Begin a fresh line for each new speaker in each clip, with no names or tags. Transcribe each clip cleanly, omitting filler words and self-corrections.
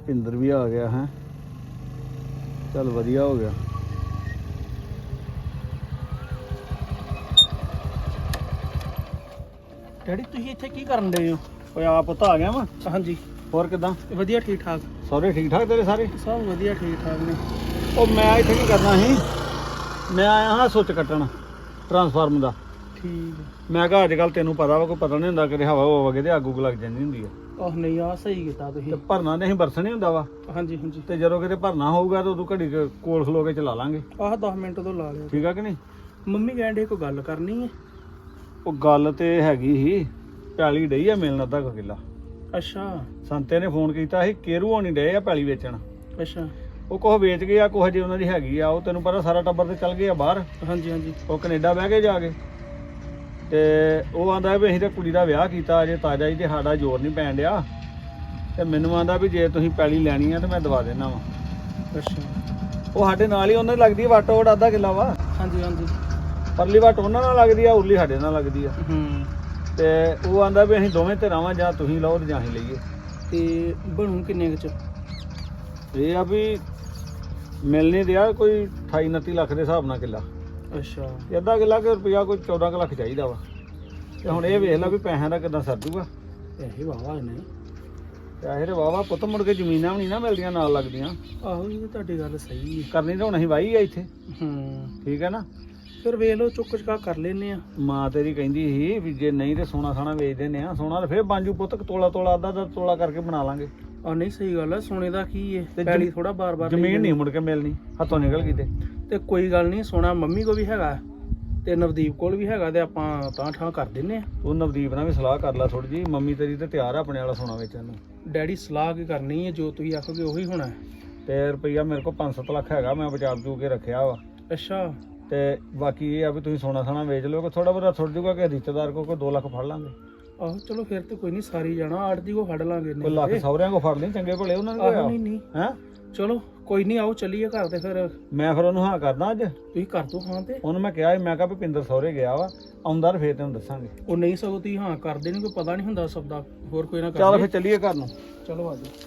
ਭਿੰਦਰ ਵੀ ਆ ਗਿਆ ਹੈ। ਚੱਲ ਵਧੀਆ ਹੋ ਗਿਆ।
ਡੈਡੀ ਤੁਸੀਂ ਇੱਥੇ ਕੀ ਕਰਨ ਡਏ ਹੋ?
ਓਏ ਆ ਪੁੱਤ ਆ ਗਿਆ ਵਾ।
ਹਾਂਜੀ
ਹੋਰ ਕਿਦਾਂ?
ਵਧੀਆ ਠੀਕ ਠਾਕ।
ਸਾਰੇ ਠੀਕ ਠਾਕ ਤੇਰੇ ਸਾਰੇ?
ਸਭ ਵਧੀਆ ਠੀਕ ਠਾਕ ਨੇ।
ਉਹ ਮੈਂ ਇੱਥੇ ਕੀ ਕਰਨਾ ਸੀ, ਮੈਂ ਆਇਆ ਹਾਂ ਸੁੱਚ ਕੱਟਣ ਟਰਾਂਸਫਾਰਮ ਦਾ।
ਠੀਕ।
ਮੈਂ ਕਿਹਾ ਅੱਜ ਕੱਲ੍ਹ ਤੈਨੂੰ ਪਤਾ ਵਾ, ਕੋਈ ਪਤਾ ਨਹੀਂ ਹੁੰਦਾ ਕਿ ਹਵਾ ਹੋ ਵਗੇ ਤੇ ਅੱਗ ਉੱਗ ਲੱਗ ਜਾਂਦੀ ਹੁੰਦੀ ਆ।
ਆਹ ਨਹੀਂ ਆ ਸਹੀ ਕੀਤਾ ਤੁਸੀਂ।
ਤੇ ਭਰਨਾ ਤੇ ਅਸੀਂ ਬਰਸਣੇ ਹੁੰਦਾ ਵਾ।
ਹਾਂਜੀ ਹਾਂਜੀ।
ਤੇ ਜਦੋਂ ਕਿਤੇ ਭਰਨਾ ਹੋਊਗਾ ਤਾਂ ਉਦੋਂ ਘੜੀ ਕੋਲ ਖਲੋ ਕੇ ਚਲਾ ਲਾਂਗੇ।
ਆਹ 10 ਮਿੰਟ ਤੋਂ ਲਾ ਲਿਓ।
ਠੀਕ ਆ ਕਿ ਨਹੀਂ?
ਮੰਮੀ ਕਹਿੰਦੇ ਕੋਈ ਗੱਲ ਕਰਨੀ ਹੈ।
ਉਹ ਗੱਲ ਤੇ ਹੈਗੀ ਸੀ, ਪੈਲੀ ਡਈ ਆ ਮਿਲਣ ਅੱਧਾ ਕੁ ਕਿੱਲਾ।
ਅੱਛਾ
ਸੰਤੇ ਨੇ ਫੋਨ ਕੀਤਾ ਸੀ, ਕੇਰੂ ਹੋਣੀ ਡਏ ਆ ਪੈਲੀ ਵੇਚਣ।
ਅੱਛਾ।
ਉਹ ਕੁਛ ਵੇਚ ਗਏ ਆ, ਕੁਛ ਜੇ ਉਹਨਾਂ ਦੀ ਹੈਗੀ ਆ। ਉਹ ਤੈਨੂੰ ਪਤਾ ਸਾਰਾ ਟੱਬਰ ਤੇ ਚੱਲ ਗਏ ਆ ਬਾਹਰ।
ਹਾਂਜੀ ਹਾਂਜੀ।
ਉਹ ਕੈਨੇਡਾ ਬਹਿ ਕੇ ਜਾ ਕੇ ਤੇ ਉਹ ਆਂਦਾ ਵੀ ਅਸੀਂ ਤੇ ਕੁੜੀ ਦਾ ਵਿਆਹ ਕੀਤਾ ਅਜੇ ਤਾਜ਼ਾ ਹੀ ਤੇ ਸਾਡਾ ਜ਼ੋਰ ਨਹੀਂ ਪੈਣ ਡਿਆ। ਤੇ ਮੈਨੂੰ ਆਂਦਾ ਵੀ ਜੇ ਤੁਸੀਂ ਪੈਲੀ ਲੈਣੀ ਆ ਤੇ ਮੈਂ ਦਵਾ ਦੇਣਾ ਵਾ।
ਅੱਛਾ।
ਉਹ ਸਾਡੇ ਨਾਲ ਹੀ ਉਹਨਾਂ ਦੀ ਲੱਗਦੀ ਆ, ਵਾਟੋ ਵਟ ਅੱਧਾ ਕਿੱਲਾ ਵਾ।
ਹਾਂਜੀ ਹਾਂਜੀ।
ਪਰਲੀ ਵਾਟ ਉਹਨਾਂ ਨਾਲ ਲੱਗਦੀ ਆ, ਉਰਲੀ ਸਾਡੇ ਨਾਲ ਲੱਗਦੀ ਆ। ਤੇ ਉਹ ਆਂਦਾ ਵੀ ਅਸੀਂ ਦੋਵੇਂ ਤੇ ਰਾਵਾਂ, ਜਾਂ ਤੁਸੀਂ ਲਓ ਤੇ ਜਾਂ ਅਸੀਂ ਲਈਏ।
ਤੇ ਬਣੂ ਕਿੰਨੇ ਕੁ ਚ?
ਇਹ ਆ ਵੀ ਮਿਲਣੀ ਦਿਆ ਕੋਈ 28-29 ਲੱਖ ਦੇ ਹਿਸਾਬ ਨਾਲ ਕਿੱਲਾ।
ਅੱਛਾ।
ਤੇ ਅੱਧਾ ਕਿੱਲਾ ਕਿ ਰੁਪਇਆ ਕੋਈ 14 ਕੁ ਲੱਖ ਚਾਹੀਦਾ ਵਾ। ਤੇ ਹੁਣ ਇਹ ਵੇਖ ਲੈ ਵੀ ਪੈਸਿਆਂ ਦਾ ਕਿੱਦਾਂ ਸਰ ਜੂਗਾ।
ਪੈਸੇ ਵਾਵਾ ਨੇ।
ਪੈਸੇ ਤੇ ਵਾਵਾ ਪੁੱਤ, ਮੁੜ ਕੇ ਜ਼ਮੀਨਾਂ ਵੀ ਨਹੀਂ ਨਾ ਮਿਲਦੀਆਂ ਨਾਲ ਲੱਗਦੀਆਂ।
ਆਹੋ ਇਹ ਤਾਂ ਤੁਹਾਡੀ ਗੱਲ ਸਹੀ ਹੈ।
ਕਰਨੀ ਤਾਂ ਹੁਣ ਅਸੀਂ ਵਾਹੀ ਆ ਇੱਥੇ। ਠੀਕ ਹੈ ਨਾ?
ਫਿਰ ਵੇਖ ਲਓ ਚੁੱਕ ਚੁਕਾ ਕਰ ਲੈਨੇ ਆ।
ਮਾਂ ਤੇਰੀ ਕਹਿੰਦੀ ਸੀ ਵੀ ਜੇ ਨਹੀਂ ਤੇ ਸੋਨਾ ਸਾਣਾ ਵੇਚ ਦਿੰਦੇ ਆ। ਸੋਨਾ ਤਾਂ ਫਿਰ ਬਾਂਜੂ ਪੁੱਤ, ਤੋਲਾ ਤੋਲਾ ਅੱਧਾ ਤੋਲਾ ਕਰਕੇ ਬਣਾ ਲਾਂਗੇ।
ਆ ਨਹੀਂ ਸਹੀ ਗੱਲ ਆ, ਸੋਨੇ ਦਾ ਕੀ ਹੈ, ਪੈਲੀ ਥੋੜਾ ਬਾਰ-ਬਾਰ
ਜ਼ਮੀਨ ਨਹੀਂ ਮੁੜ ਕੇ ਮਿਲਣੀ, ਹੱਥੋਂ ਨਿਕਲ ਗਈ
ਤੇ ਕੋਈ ਗੱਲ ਨਹੀਂ। ਸੋਨਾ ਮੰਮੀ ਕੋ ਵੀ ਹੈਗਾ ਤੇ ਨਵਦੀਪ ਕੋਲ ਵੀ ਹੈਗਾ, ਤੇ ਆਪਾਂ ਤਾਂ ਠਾਂ ਕਰ ਦਿੰਨੇ ਆ।
ਉਹ ਨਵਦੀਪ ਨਾਲ ਵੀ ਸਲਾਹ ਕਰ ਲੈ ਥੋੜੀ ਜੀ। ਮੰਮੀ ਤੇਰੀ ਤੇ ਤਿਆਰ ਆ ਆਪਣੇ ਵਾਲਾ ਸੋਨਾ ਵੇਚਣ ਨੂੰ।
ਡੈਡੀ ਸਲਾਹ ਕੀ ਕਰਨੀ ਹੈ, ਜੋ ਤੁਸੀਂ ਆਖੋਗੇ ਉਹੀ ਹੋਣਾ ਹੈ।
ਤੇ ਰੁਪਈਆ ਮੇਰੇ ਕੋਲ 5-7 ਲੱਖ ਹੈਗਾ, ਮੈਂ ਬਚਾ ਬਚੂ ਕੇ ਰੱਖਿਆ ਵਾ।
ਅੱਛਾ।
ਤੇ ਬਾਕੀ ਇਹ ਆ ਵੀ ਤੁਸੀਂ ਸੋਨਾ ਸਾਣਾ ਵੇਚ ਲਿਓ, ਥੋੜਾ ਬਹੁਤਾ ਥੁੱਟ ਜੂਗਾ ਕਿ ਰਿਸ਼ਤੇਦਾਰ ਕੋ ਕੋਈ 2 ਲੱਖ ਫੜ ਲਾਂਗੇ।
ਆਹੋ ਚਲੋ ਫਿਰ ਤੇ ਕੋਈ ਨਹੀਂ, ਸਾਰੀ ਜਾਣਾ ਆੜਤੀ ਕੋ ਫੜ ਲਾਂਗੇ।
ਕੋਈ ਲੱਖ ਸਹੁਰਿਆਂ ਕੋ ਫੜ ਲਈ, ਚੰਗੇ ਭਲੇ ਉਹਨਾਂ ਨੇ
ਆਹੋ ਨਹੀਂ ਨਹੀਂ
ਹੈ।
ਚਲੋ ਕੋਈ ਨਹੀਂ, ਆਓ ਚੱਲੀਏ ਘਰ। ਤੇ ਫਿਰ
ਮੈਂ ਫਿਰ ਉਹਨੂੰ ਹਾਂ ਕਰਦਾ ਅੱਜ।
ਤੁਸੀਂ ਕਰ ਦੋ ਹਾਂ। ਤੇ
ਉਹਨੂੰ ਮੈਂ ਕਿਹਾ ਮੈਂ ਕਿਹਾ ਵੀ ਪਿੰਦਰ ਸਹੁਰੇ ਗਿਆ ਵਾ, ਆਉਂਦਾ ਫੇਰ ਤੈਨੂੰ ਦੱਸਾਂਗੇ।
ਉਹ ਨਹੀਂ ਸਗੋਂ ਤੁਸੀਂ ਹਾਂ ਕਰ ਦੇਣੀ, ਕੋਈ ਪਤਾ ਨਹੀਂ ਹੁੰਦਾ ਸਭ ਦਾ। ਹੋਰ ਕੋਈ ਨਾ ਕਰ
ਚੱਲ ਫਿਰ ਚੱਲੀਏ ਘਰ ਨੂੰ।
ਚਲੋ ਆਜੋ।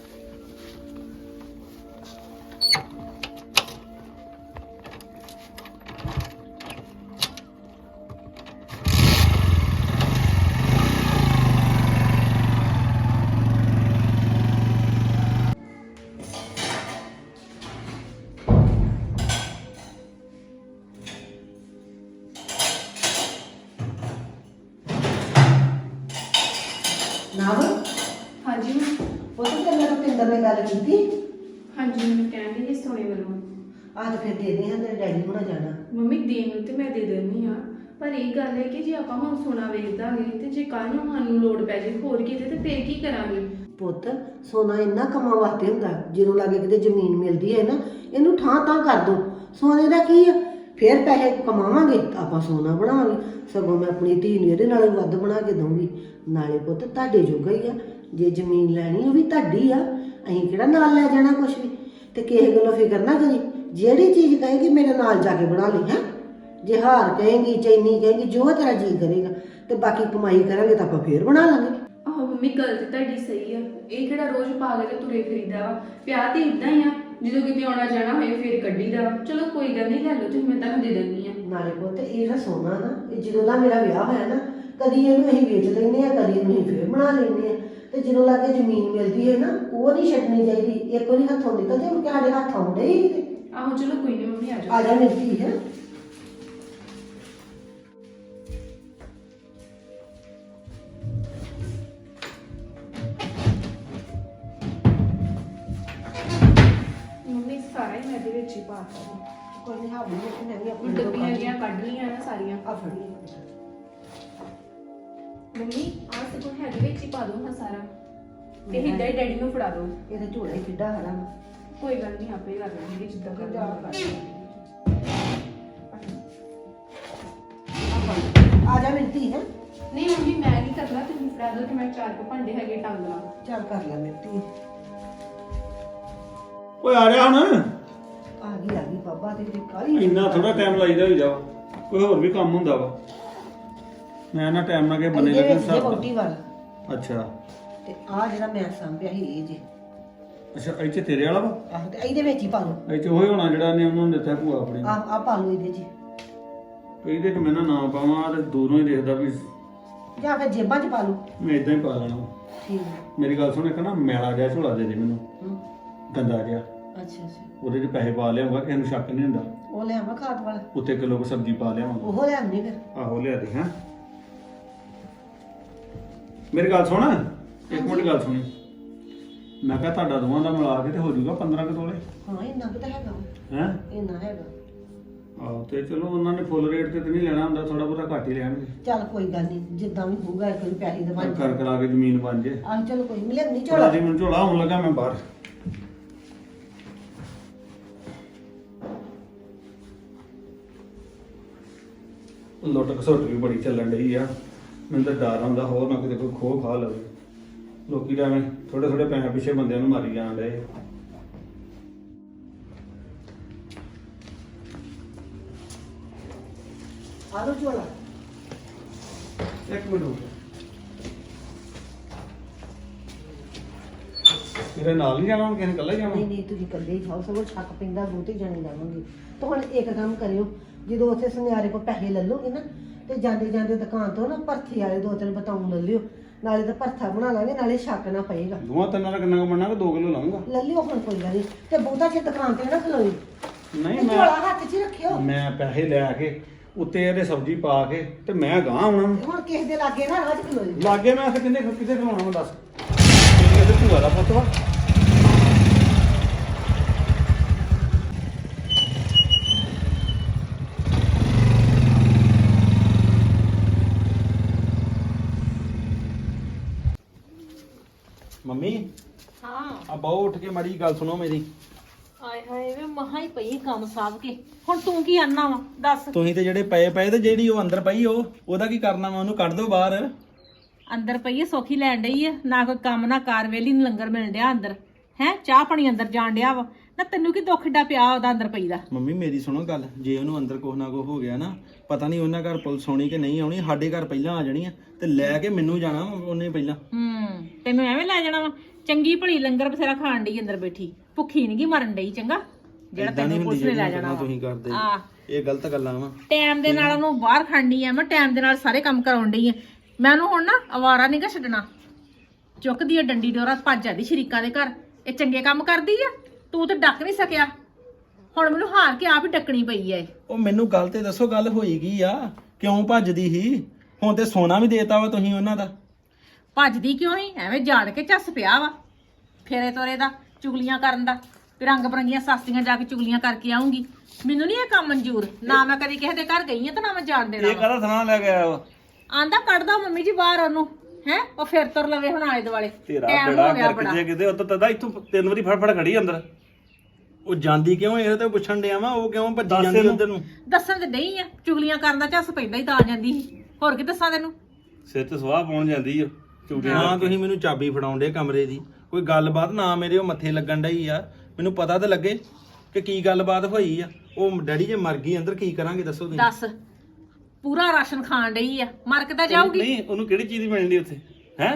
ਨਾਵ
ਹਾਂਜੀ
ਉਹ ਤਾਂ ਤੇਰੇ ਨਾਲ ਪਿੰਦਰ ਨੇ ਗੱਲ ਕੀਤੀ।
ਹਾਂਜੀ ਮੈਨੂੰ ਕਹਿੰਦੇ ਕਿ ਸੋਨੇ ਵੱਲੋਂ
ਆਹ ਫਿਰ ਦੇ ਦੇ ਹਾਂ, ਤੇਰੇ ਡੈਡੀ ਹੋਣਾ ਜਾਣਾ।
ਮੰਮੀ ਦੇਣ ਨੂੰ ਤੇ ਮੈਂ ਦੇ ਦਿੰਦੀ ਆ, ਪਰ ਇਹ ਗੱਲ ਹੈ ਕਿ ਜੇ ਆਪਾਂ ਹੁਣ ਸੋਨਾ ਵੇਚ ਦਾਂਗੇ ਤੇ ਜੇ ਕੱਲ ਨੂੰ ਸਾਨੂੰ ਲੋੜ ਪੈ ਜੇ ਹੋਰ ਕਿਤੇ ਤੇ ਫਿਰ ਕੀ ਕਰਾਂਗੇ?
ਪੁੱਤ ਸੋਨਾ ਇੰਨਾ ਕੰਮਾਂ ਵਾਸਤੇ ਹੁੰਦਾ, ਜਦੋਂ ਲਾਗੇ ਕਿਤੇ ਜ਼ਮੀਨ ਮਿਲਦੀ ਹੈ ਨਾ, ਇਹਨੂੰ ਠਾਂ ਤਾਂ ਕਰ ਦੋ। ਸੋਨੇ ਦਾ ਕੀ ਆ, ਫਿਰ ਪੈਸੇ ਕਮਾਵਾਂਗੇ ਤਾਂ ਆਪਾਂ ਸੋਨਾ ਬਣਾਵਾਂਗੇ। ਸਗੋਂ ਮੈਂ ਆਪਣੀ ਧੀ ਨੂੰ ਇਹਦੇ ਨਾਲ ਵੱਧ ਬਣਾ ਕੇ ਦਊਂਗੀ। ਨਾਲੇ ਪੁੱਤ ਤੁਹਾਡੇ ਜੋਗਾ ਹੀ ਆ, ਜੇ ਜ਼ਮੀਨ ਲੈਣੀ ਉਹ ਵੀ ਤੁਹਾਡੀ ਆ, ਅਸੀਂ ਕਿਹੜਾ ਨਾਲ ਲੈ ਜਾਣਾ ਕੁਛ ਵੀ। ਤੇ ਕਿਸੇ ਗੱਲੋਂ ਫਿਕਰ ਨਾ ਕਰੀ, ਜਿਹੜੀ ਚੀਜ਼ ਕਹੇਗੀ ਮੇਰੇ ਨਾਲ ਜਾ ਕੇ ਬਣਾ ਲਈ। ਹੈ ਜੇ ਹਾਰ ਕਹੇਗੀ, ਚੈਨੀ ਕਹੇਗੀ, ਜੋ ਤੇਰਾ ਜੀ ਕਰੇਗਾ। ਤੇ ਬਾਕੀ ਕਮਾਈ ਕਰਾਂਗੇ ਤਾਂ ਆਪਾਂ ਫੇਰ ਬਣਾ ਲਾਂਗੇ।
ਆਹੋ ਮੰਮੀ ਗੱਲ ਤੇ ਤੁਹਾਡੀ ਸਹੀ ਆ, ਇਹ ਕਿਹੜਾ ਰੋਜ਼ ਪਾ ਕੇ ਤੇ ਤੁਰੇ ਫਿਰੀਦਾ ਵਾ। ਵਿਆਹ ਤੇ ਇਦਾਂ ਹੀ ਆ, ਜਦੋਂ ਕਿਤੇ ਆਉਣਾ ਜਾਣਾ ਹੋਏ ਫਿਰ ਕੱਢੀਦਾ ਵਾ। ਚਲੋ ਕੋਈ ਗੱਲ ਨਹੀਂ, ਲੈ ਲਓ ਤੇ ਮੈਂ ਤੁਹਾਨੂੰ ਦੇ ਦਿੰਦੀ ਆ।
ਨਾਲੇ ਪੁੱਤ ਇਹ ਜਿਹੜਾ ਸੋਨਾ ਨਾ, ਇਹ ਜਦੋਂ ਦਾ ਮੇਰਾ ਵਿਆਹ ਹੋਇਆ ਨਾ, ਕਦੀ ਇਹਨੂੰ ਅਸੀਂ ਵੇਚ ਲੈਂਦੇ ਆ, ਕਦੀ ਇਹਨੂੰ ਅਸੀਂ ਫੇਰ ਬਣਾ ਲੈਂਦੇ ਆ। ਤੇ ਜਦੋਂ ਲਾਗੇ ਜ਼ਮੀਨ ਮਿਲਦੀ ਹੈ ਨਾ, ਉਹ ਨਹੀਂ ਛੱਡਣੀ ਚਾਹੀਦੀ। ਇੱਕ ਵਾਰੀ ਹੱਥੋਂ ਨਿਕਲ ਜੇ ਮੁੜ ਕੇ ਸਾਡੇ ਹੱਥ ਆਉਂਦੇ ਹੀ ਕਿਤੇ।
ਆਹੋ ਚਲੋ ਕੋਈ ਨਹੀਂ ਮੰਮੀ, ਆ ਜਾਓ।
ਆ ਜਾ ਮੇਰੀ ਧੀ। ਹੈ
ਮੰਮੀ ਸਾਰਾ ਹੀ ਮੈਂ ਇਹਦੇ ਵਿੱਚ ਹੀ ਪਾਤਾ।
ਕੋਈ ਨਹੀਂ, ਹਾਵੀ ਮੈਂ ਵੀ ਆਪਣੀ
ਡੱਬੀਆਂ ਜੀਆਂ ਕੱਢ ਲਈਆਂ ਨਾ ਸਾਰੀਆਂ।
ਆ ਫੜੀ
ਮੰਮੀ ਆਹ ਸਗੋਂ ਹੈਗੇ ਵਿੱਚ ਹੀ ਪਾ ਦੋ ਹਾਂ ਸਾਰਾ, ਤੇ ਹਿੱਦਾਂ ਹੀ ਡੈਡੀ ਨੂੰ ਫੜਾ ਦੋ।
ਇਹਦਾ ਝੋਲਾ ਹੀ ਕਿੱਡਾ ਹਰਾ।
ਕੋਈ ਗੱਲ ਨਹੀਂ, ਆਪੇ ਕਰ ਲਾਂਗੇ ਜਿੱਦਾਂ ਕਰਨਾ
ਆ ਜਾ ਮੇਰੀ ਧੀ। ਹੈ
ਨਹੀਂ ਮੰਮੀ ਮੈਂ ਨਹੀਂ ਕਰਨਾ, ਤੁਸੀਂ ਫੜਾ ਦੋ ਤੇ ਮੈਂ 4 ਕੁ ਭਾਂਡੇ ਹੈਗੇ ਟੰਗ ਲਾਂ।
ਚੱਲ ਕਰ ਲੈ ਮੇਰੀ ਧੀ।
ਓਏ ਆ ਰਿਹਾ ਹੁਣ।
ਆ ਗਈ ਬਾਬਾ, ਤੇ ਕਾਲੀ
ਇੰਨਾ ਥੋੜਾ ਟਾਈਮ ਲਾਈਦਾ ਹੋਈ ਜਾ, ਕੋਈ ਹੋਰ ਵੀ ਕੰਮ ਹੁੰਦਾ ਵਾ। ਮੈਂ ਨਾ ਟਾਈਮ ਨਾਲ ਕੇ ਬੰਨੇ ਲੱਗੇ
ਵੋਟੀ ਵਾਲਾ।
ਅੱਛਾ।
ਤੇ ਆ ਜਿਹੜਾ ਮੈਂ ਸਾਂਭਿਆ ਸੀ ਇਹ ਜੇ
ਅੱਛਾ ਇਹ 'ਚ ਤੇਰੇ ਵਾਲਾ ਵਾ?
ਆਹੋ ਤੇ ਇਹਦੇ ਵਿੱਚ ਹੀ ਪਾ ਲਓ।
ਇਹ 'ਚ ਉਹ ਹੋਣਾ ਜਿਹੜਾ ਨੇ ਉਹਨੂੰ ਦਿੱਤਾ ਭੂਆ ਆਪਣੀ ਨੂੰ।
ਆ ਪਾ ਲਓ ਇਹਦੇ 'ਚ
ਇਹਦੇ 'ਚ ਮੈਂ ਨਾ ਨਾਂ ਪਾਵਾਂ ਤੇ ਦੂਰੋਂ ਹੀ ਦੇਖਦਾ ਵੀ
ਜਾਂ ਫਿਰ ਜੇਬਾਂ 'ਚ ਪਾ ਲਓ।
ਮੈਂ ਇਦਾਂ ਹੀ ਪਾ ਲੈਣਾ।
ਠੀਕ ਹੈ।
ਮੇਰੀ ਗੱਲ ਸੁਣ, ਇੱਕ ਨਾ ਮੈਲਾ ਜਿਹਾ ਝੋਲਾ ਦੇ ਦੇ ਮੈਨੂੰ,
ਹਮ,
ਗੰਦਾ ਜਿਹਾ।
ਅੱਛਾ ਅੱਛਾ
ਉਹਦੇ 'ਚ ਪੈਸੇ ਪਾ ਲਿਆਉਂਗਾ, ਕਿਸੇ ਨੂੰ ਸ਼ੱਕ ਨਹੀਂ ਹੁੰਦਾ।
ਉਹ ਲਿਆਵਾਂ ਖਾਦ ਵਾਲਾ।
ਉੱਤੇ ਕਿਲੋ ਕੁ ਸਬਜ਼ੀ ਪਾ ਲਿਆਵਾਂਗਾ।
ਉਹ ਲਿਆਉਣੀ ਫਿਰ।
ਆਹੋ ਲਿਆ ਦੇ। ਹਾਂ ਮੇਰੀ ਗੱਲ ਸੁਣ, ਇੱਕ ਮਿੰਟ ਗੱਲ ਸੁਣੀ। ਮੈਂ ਕਿਹਾ ਤੁਹਾਡਾ ਦੋਵਾਂ ਦਾ ਮਿਲਾ ਕੇ ਤੇ ਹੋ ਜਾਊਗਾ 15 ਕੁ ਤੋਲੇ।
ਹਾਂ ਇੰਨਾ ਕੁ ਤਾਂ ਹੈਗਾ ਵਾ।
ਹੈ
ਇੰਨਾ ਹੈਗਾ।
ਆਹੋ ਤੇ ਚਲੋ ਉਹਨਾਂ ਨੇ ਫੁੱਲ ਰੇਟ ਤੇ ਨਹੀਂ ਲੈਣਾ ਹੁੰਦਾ, ਥੋੜਾ ਬਹੁਤਾ ਘੱਟ ਹੀ ਲੈਣਗੇ।
ਚੱਲ ਕੋਈ ਗੱਲ ਨਹੀਂ, ਜਿੱਦਾਂ ਵੀ ਹੋਊਗਾ ਇੱਕ ਵਾਰੀ ਪੈਸੇ ਦੇ ਬਣ
ਕਰ ਕਰਾ ਕੇ ਜ਼ਮੀਨ ਬਣ ਜੇ।
ਆਹ ਚਲੋ ਕੋਈ ਮਿਲੇ ਨਹੀਂ
ਝੋਲਾ
ਝੋਲਾ।
ਜੀ ਮੈਨੂੰ ਝੋਲਾ ਆਉਣ ਲੱਗਾ, ਮੈਂ ਬਾਹਰ। ਲੁੱਟ ਖਸੁੱਟ ਵੀ ਬੜੀ ਚੱਲਣ ਡਈ ਆ। ਮੈਨੂੰ ਤਾਂ ਡਰ ਆਉਂਦਾ ਹੋਰ ਨਾ ਕਿਤੇ ਕੋਈ ਖੋਹ ਖਾ ਲਵੇ। ਲੋਕੀ ਤਾਂ ਐਵੇਂ ਥੋੜੇ ਥੋੜੇ ਪੈਸੇ ਪਿੱਛੇ ਬੰਦਿਆਂ ਨੂੰ ਮਾਰੀ ਜਾਣ ਡਏ।
ਆ ਲਓ ਝੋਲਾ।
ਇੱਕ ਮਿੰਟ ਹੋ ਗਿਆ। ਤੇਰੇ ਨਾਲ ਨਹੀਂ ਜਾਣਾ, ਕਿਸੇ ਨੇ ਇਕੱਲਾ ਹੀ ਜਾਣਾ?
ਨਹੀਂ ਨਹੀਂ ਤੁਸੀਂ ਇਕੱਲੇ ਹੀ ਜਾਓ, ਸਗੋਂ ਛੱਕ ਪੈਂਦਾ ਬਹੁਤੇ ਜਾਣੇ ਜਾਵਾਂਗੇ। ਤਾਂ ਹੁਣ ਇੱਕ ਕੰਮ ਕਰਿਓ, ਜਦੋਂ ਉੱਥੇ ਸੁਨਿਆਰੇ ਕੋਲ ਪੈਸੇ ਲੈ ਲਓਗੇ ਨਾ ਤੇ ਜਾਂਦੇ ਜਾਂਦੇ ਦੁਕਾਨ ਤੋਂ ਨਾ ਭਰਥੀ ਵਾਲੇ 2-3 ਬਤਾਉਂ ਲੈ ਲਿਓ। ਨਾਲੇ ਤਾਂ ਭਰਥਾ ਬਣਾ ਲਾਂਗੇ, ਨਾਲੇ ਛੱਕ ਨਾ ਪਏਗਾ।
ਦੋਵਾਂ ਤਿੰਨਾਂ ਦਾ ਕਿੰਨਾ ਕੁ ਬਣਨਾ? 2 ਕਿਲੋ ਲਾਉਂਗਾ।
ਲੈ ਲਿਓ ਹੁਣ, ਕੋਈ ਗੱਲ ਨਹੀਂ। ਤੇ ਬਹੁਤਾ ਚਿਰ ਦੁਕਾਨ ਤੇ ਨਾ ਖਲੋਈ।
ਨਹੀਂ
ਤੇ ਝੋਲਾ ਹੱਥ 'ਚ ਹੀ ਰੱਖਿਓ।
ਮੈਂ ਪੈਸੇ ਲੈ ਕੇ ਉੱਤੇ ਇਹਦੇ ਸਬਜ਼ੀ ਪਾ ਕੇ ਤੇ ਮੈਂ ਗਾਂ ਆਉਣਾ।
ਤੇ ਹੁਣ ਕਿਸੇ ਦੇ ਲਾਗੇ ਨਾ ਰਾਹ 'ਚ ਖਲੋਈ।
ਲਾਗੇ ਮੈਂ ਫਿਰ ਕਿੰਨੇ ਕਿਤੇ ਖਵਾਉਣਾ ਮੈਂ ਦੱਸ? ਇਹਦੇ ਭੂਆ ਦਾ ਪੁੱਤ ਵਾ। ਮੰਮੀ
ਹਾਂ
ਆ ਬਹੁ ਉੱਠ ਕੇ ਮਾੜੀ ਗੱਲ ਸੁਣੋ ਮੇਰੀ।
ਆਏ ਹਾਏ ਵੇ ਮਹਾ ਹੀ ਪਈ ਕੰਮ ਸਾਂਭ ਕੇ। ਹੁਣ ਤੂੰ ਕੀ ਆਨਾ ਵਾ ਦੱਸ।
ਤੁਸੀਂ ਤੇ ਜਿਹੜੇ ਪਏ ਤੇ ਜਿਹੜੀ ਉਹ ਅੰਦਰ ਪਈ ਉਹਦਾ ਕੀ ਕਰਨਾ ਵਾ? ਉਹਨੂੰ ਕੱਢ ਦਿਓ ਬਾਹਰ।
ਅੰਦਰ ਪਈ ਐ, ਸੌਖੀ ਲੈਣ ਡਈ ਐ, ਨਾ ਕੋਈ ਕੰਮ ਨਾ ਕਾਰ, ਵੇਲੀ ਨੂੰ ਲੰਗਰ ਮਿਲਣ ਡਿਆ ਅੰਦਰ ਹੈ, ਚਾਹ ਪਾਣੀ ਅੰਦਰ ਜਾਣ ਡਿਆ ਵਾ ਨਾ। ਤੈਨੂੰ ਕੀ ਦੁੱਖ ਏਡਾ ਪਿਆ ਉਹਦਾ ਅੰਦਰ ਪਈ ਦਾ?
ਮੰਮੀ ਮੇਰੀ ਸੁਣੋ ਗੱਲ, ਜੇ ਉਹਨੂੰ ਅੰਦਰ ਕੁਛ ਨਾ ਕੁਛ ਹੋ ਗਿਆ ਨਾ, ਪਤਾ ਨਹੀਂ ਉਹਨਾਂ ਘਰ ਪੁਲਿਸ ਆਉਣੀ ਕਿ ਨਹੀਂ ਆਉਣੀ, ਸਾਡੇ ਘਰ ਪਹਿਲਾਂ ਆ ਜਾਣੀ ਆ ਤੇ ਲੈ ਕੇ ਮੈਨੂੰ ਜਾਣਾ ਉਹਨੇ ਪਹਿਲਾਂ।
ਤੈਨੂੰ ਐਵੇਂ ਲੈ ਜਾਣਾ ਵਾ? ਚੰਗੀ ਭਲੀ ਲੰਗਰ ਬਥੇਰਾ ਖਾਣ ਡਈ ਅੰਦਰ ਬੈਠੀ, ਭੁੱਖੀ ਨੀ ਗੀ ਮਰਨ ਡਈ। ਚੰਗਾ ਜਿਹੜਾ ਤੈਨੂੰ ਪੁਲਿਸ ਨੇ ਲੈ ਜਾਣਾ
ਤੁਸੀਂ ਕਰਦੇ
ਆ,
ਇਹ ਗਲਤ ਗੱਲਾਂ ਵਾ।
ਟਾਈਮ ਦੇ ਨਾਲ ਉਹਨੂੰ ਬਾਹਰ ਖੜਨੀ ਆ, ਮੈਂ ਟਾਈਮ ਦੇ ਨਾਲ ਸਾਰੇ ਕੰਮ ਕਰਾਉਣ ਡਈ ਆ। ਮੈਂ ਉਹਨੂੰ ਹੁਣ ਨਾ ਅਵਾਰਾ ਨੀ ਗਾ ਛੱਡਣਾ। ਚੁੱਕਦੀ ਆ ਡੰਡੀ ਡੋਰਾ, ਭੱਜ ਜਾਂਦੀ ਸ਼ਰੀਕਾਂ ਦੇ ਘਰ। ਇਹ ਚੰਗੇ ਕੰਮ ਕਰਦੀ ਆ, ਤੂੰ ਤਾਂ ਡੱਕ ਨਹੀਂ ਸਕਿਆ। ਹੁਣ ਮੈਨੂੰ ਹਾਰ ਕੇ ਆਪ ਹੀ ਡੱਕਣੀ ਪਈ ਐ।
ਉਹ ਮੈਨੂੰ ਗੱਲ ਤੇ ਦੱਸੋ, ਗੱਲ ਹੋਈ ਕੀ ਆ? ਕਿਉਂ ਭੱਜਦੀ ਸੀ? ਹੁਣ ਤੇ ਸੋਨਾ ਵੀ ਦੇਤਾ ਵਾ ਤੁਸੀਂ ਉਹਨਾਂ ਦਾ।
ਭੱਜਦੀ ਕਿਉਂ ਨਹੀਂ? ਐਵੇਂ ਜਾੜ ਕੇ ਝੱਸ ਪਿਆ ਵਾ ਫੇਰੇ ਤੋਰੇ ਦਾ, ਚੁਗਲੀਆਂ ਕਰਨ ਦਾ। ਵੀ ਰੰਗ ਬਰੰਗੀਆਂ ਸਾਸਤੀਆਂ ਜਾ ਕੇ ਚੁਗਲੀਆਂ ਕਰਕੇ ਆਉਂਗੀ। ਮੈਨੂੰ ਨਹੀਂ ਇਹ ਕੰਮ ਮਨਜ਼ੂਰ। ਨਾ ਮੈਂ ਕਦੀ ਕਿਸੇ ਦੇ ਘਰ ਗਈ ਆ ਤੇ ਨਾ ਮੈਂ ਜਾਣ ਦੇਣਾ।
ਇਹ ਕਾਹਦਾ ਥਾਂ ਲੈ ਕੇ ਆਇਆ ਵਾ?
ਆਂਦਾ ਕੱਢਦਾ ਮੰਮੀ ਜੀ ਬਾਹਰ ਉਹਨੂੰ ਹੈ, ਉਹ ਫਿਰ ਤੁਰ ਲਵੇ ਹੁਣ ਆਲੇ ਦੁਆਲੇ।
ਤੇਰਾ
ਟਾਈਮ
ਬੜਾ
ਹੋ ਗਿਆ
ਕਰ
ਬੜਾ।
ਕਿਤੇ ਕਿਤੇ ਉੱਤ ਤਦਾ ਇੱਥੋਂ 3 ਵਾਰੀ ਫੜ ਖੜੀ ਅੰਦਰ। ਉਹ ਜਾਂਦੀ ਕਿਉਂ? ਇਹ ਤਾਂ ਪੁੱਛਣ ਡਿਆ ਵਾ, ਉਹ ਕਿਉਂ ਭੱਜੀ ਜਾਂਦੀ ਉਧਰ ਨੂੰ?
ਦੱਸਣ ਤੇ ਨਹੀਂ ਆ, ਚੁਗਲੀਆਂ ਕਰਨ ਦਾ ਝੱਸ ਪੈਂਦਾ ਹੀ ਤਾਂ ਆ ਜਾਂਦੀ ਸੀ। ਹੋਰ ਕੀ ਦੱਸਾਂ ਤੈਨੂੰ?
ਸਿਰ ਤੇ ਸਵਾਹ ਪਾਉਣ ਜਾਂਦੀ ਆ ਚੁਗਲੀਆਂ। ਹਾਂ ਤੁਸੀਂ ਮੈਨੂੰ ਚਾਬੀ ਫੜਾਉਂਦੇ ਕਮਰੇ ਦੀ, ਕੋਈ ਗੱਲਬਾਤ ਨਾ ਮੇਰੇ ਉਹ ਮੱਥੇ ਲੱਗਣ ਡਈ ਆ। ਮੈਨੂੰ ਪਤਾ ਤਾਂ ਲੱਗੇ ਕਿ ਕੀ ਗੱਲਬਾਤ ਹੋਈ ਆ। ਉਹ ਡੈਡੀ ਜੇ ਮਰ ਗਈ ਅੰਦਰ, ਕੀ ਕਰਾਂਗੇ ਦੱਸੋ ਤੁਸੀਂ?
ਦੱਸ, ਪੂਰਾ ਰਾਸ਼ਨ ਖਾਣ ਡਈ ਆ, ਮਰ ਕੇ ਤਾਂ ਜਾਊਗੀ।
ਨਹੀਂ ਉਹਨੂੰ ਕਿਹੜੀ ਚੀਜ਼ ਦੀ ਮਿਲਣੀ ਉੱਥੇ ਹੈ?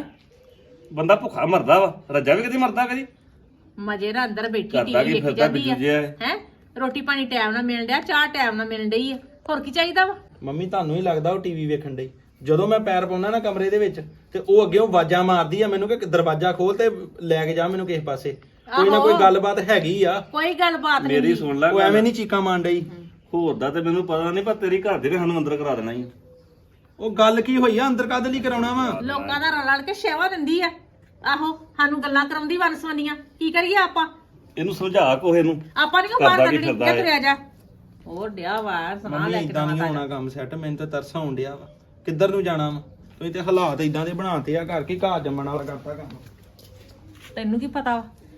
ਬੰਦਾ ਭੁੱਖਾ ਮਰਦਾ ਵਾ, ਰੱਜਾ ਵੀ ਕਦੀ ਮਰਦਾ ਕਦੀ।
ਮਜੇ ਨਾਲ ਅੰਦਰ ਬੈਠੀ
ਕਰਦਾ
ਟੀਵੀ
ਕੀ
ਵੇਖੀ
ਫਿਰਦਾ
ਜਾਂਦੀ ਆ
ਬਿੱਜੂ ਜਿਹਾ ਹੈ।
ਹੈ। ਰੋਟੀ ਪਾਣੀ ਟਾਈਮ ਨਾਲ ਮਿਲ ਡਿਆ, ਚਾਹ ਟਾਈਮ ਨਾਲ ਮਿਲਣ ਡਈ ਆ। ਹੋਰ ਕੀ ਚਾਹੀਦਾ ਵਾ?
ਮੰਮੀ ਤੁਹਾਨੂੰ ਹੀ ਲੱਗਦਾ ਉਹ ਟੀਵੀ ਵੇਖਣ ਡਈ? ਜਦੋਂ ਮੈਂ ਪੈਰ ਪਾਉਣਾ ਨਾ ਕਮਰੇ ਦੇ ਵਿੱਚ ਤੇ ਉਹ ਅੱਗੇੋਂ ਆਵਾਜ਼ਾਂ ਮਾਰਦੀ ਆ ਮੈਨੂੰ ਕਿ ਦਰਵਾਜ਼ਾ ਖੋਲ ਤੇ ਲੈ ਕੇ ਜਾ ਮੈਨੂੰ ਕਿਸੇ ਪਾਸੇ। ਕੋਈ ਨਾ ਕੋਈ ਗੱਲਬਾਤ ਹੈਗੀ ਆ।
ਕੋਈ ਗੱਲਬਾਤ ਨਹੀਂ।
ਮੇਰੀ ਸੁਣ ਲੈ
ਉਹ ਐਵੇਂ ਨਹੀਂ ਚੀਕਾਂ ਮਾਰਨ ਡਈ।
ਹੋਰ ਦਾ ਤੇ ਮੈਨੂੰ ਪਤਾ ਨਹੀਂ, ਪਰ ਤੇਰੀ ਘਰ ਦੇ ਨੇ ਸਾਨੂੰ ਅੰਦਰ ਕਰਾ ਦੇਣਾ ਹੀ।
ਉਹ ਗੱਲ ਕੀ ਹੋਈ ਆ? ਅੰਦਰ ਕਾਹਦੇ ਲਈ ਕਰਾਉਣਾ ਵਾ?
ਲੋਕਾਂ ਦਾ ਰਲ ਕੇ ਸੇਵਾ ਦਿੰਦੀ ਆ। ਆਹੋ, ਸਾਨੂੰ ਗੱਲਾਂ ਕਰਾਉਂਦੀ ਵੰਸਵੰਦੀਆਂ। ਕੀ ਕਰੀਏ ਆਪਾਂ?
ਇਹਨੂੰ ਸਮਝਾ ਕੋਹੇ ਨੂੰ।
ਆਪਾਂ ਨਹੀਂ ਬਾਹਰ
ਕਰਦਾ ਕੀ
ਕੱਢਣੀ।
ਫਿਰਦਾ
ਕਿੱਥੇ ਆ ਜਾ? ਹੋਰ ਡਿਆ ਵਾ ਸੁਣਾ
ਮੰਮੀ
ਲੈ ਕੇ
ਇਦਾਂ ਨਹੀਂ
ਦਵਾ
ਹੋਣਾ ਕੰਮ ਸੈੱਟ। ਮੈਨੂੰ ਤਾਂ ਤਰਸ ਆਉਣ ਡਿਆ ਵਾ। ਕਿੱਧਰ ਨੂੰ ਜਾਣਾ ਵਾ? ਤੁਸੀਂ ਤੇ ਹਾਲਾਤ ਇਦਾਂ ਦੇ ਬਣਾਤੇ ਆ ਘਰ ਕੀ ਘਾਹ ਜੰਮਣ ਵਾਲਾ ਕਰਤਾ ਕੰਮ।
ਤੈਨੂੰ ਕੀ ਪਤਾ ਵਾ